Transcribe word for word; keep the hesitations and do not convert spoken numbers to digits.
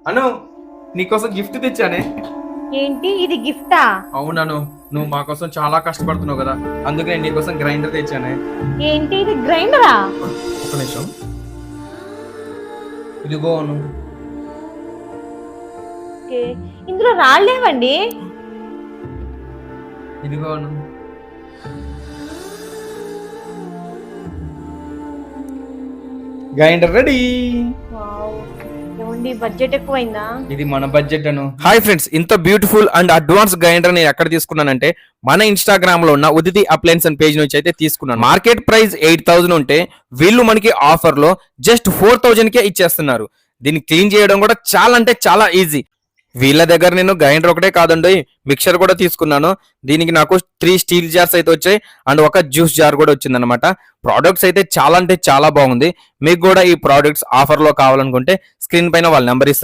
అను నీకోసం గిఫ్ట్ తెచ్చానే. ఏంటి ఇది గిఫ్టా? అవునను, నువ్వు మా కోసం చాలా కష్టపడుతున్నావు కదా, అందుకే నేను నీకోసం గ్రైండర్ తెచ్చానే. ఏంటి ఇది గ్రైండరా? ఒక నిమిషం, ఇదిగో అను. ఓకే, ఇందులో రాళ్ళేవండి. ఇదిగో అను. Grinder ready. వావ్, ఏమండి బడ్జెట్ ఎక్కువైందా? ఇది మన బడ్జెట్ అను. హాయ్ ఫ్రెండ్స్, ఇంత బ్యూటిఫుల్ అండ్ అడ్వాన్స్ గ్రైండర్ నేను ఎక్కడ తీసుకున్నానంటే మన ఇన్స్టాగ్రామ్ లో ఉన్న ఉదితి అప్లయన్స్ అండ్ పేజ్ నుంచి అయితే తీసుకున్నాను. మార్కెట్ ప్రైస్ ఎయిట్ థౌసండ్ ఉంటే వీళ్ళు మనకి ఆఫర్ లో జస్ట్ ఫోర్ థౌజండ్ కే ఇచ్చేస్తున్నారు. దీన్ని క్లీన్ చేయడం కూడా చాలా అంటే చాలా ఈజీ. వీళ్ళ దగ్గర నేను గ్రైండర్ ఒకటే కాదండి, మిక్సర్ కూడా తీసుకున్నాను. దీనికి నాకు త్రీ స్టీల్ జార్స్ అయితే వచ్చాయి అండ్ ఒక జ్యూస్ జార్ కూడా వచ్చింది అనమాట. ప్రోడక్ట్స్ అయితే చాలా అంటే చాలా బాగుంది. మీకు కూడా ఈ ప్రోడక్ట్స్ ఆఫర్ లో కావాలనుకుంటే స్క్రీన్ పైన వాళ్ళ నెంబర్ ఇస్తారు.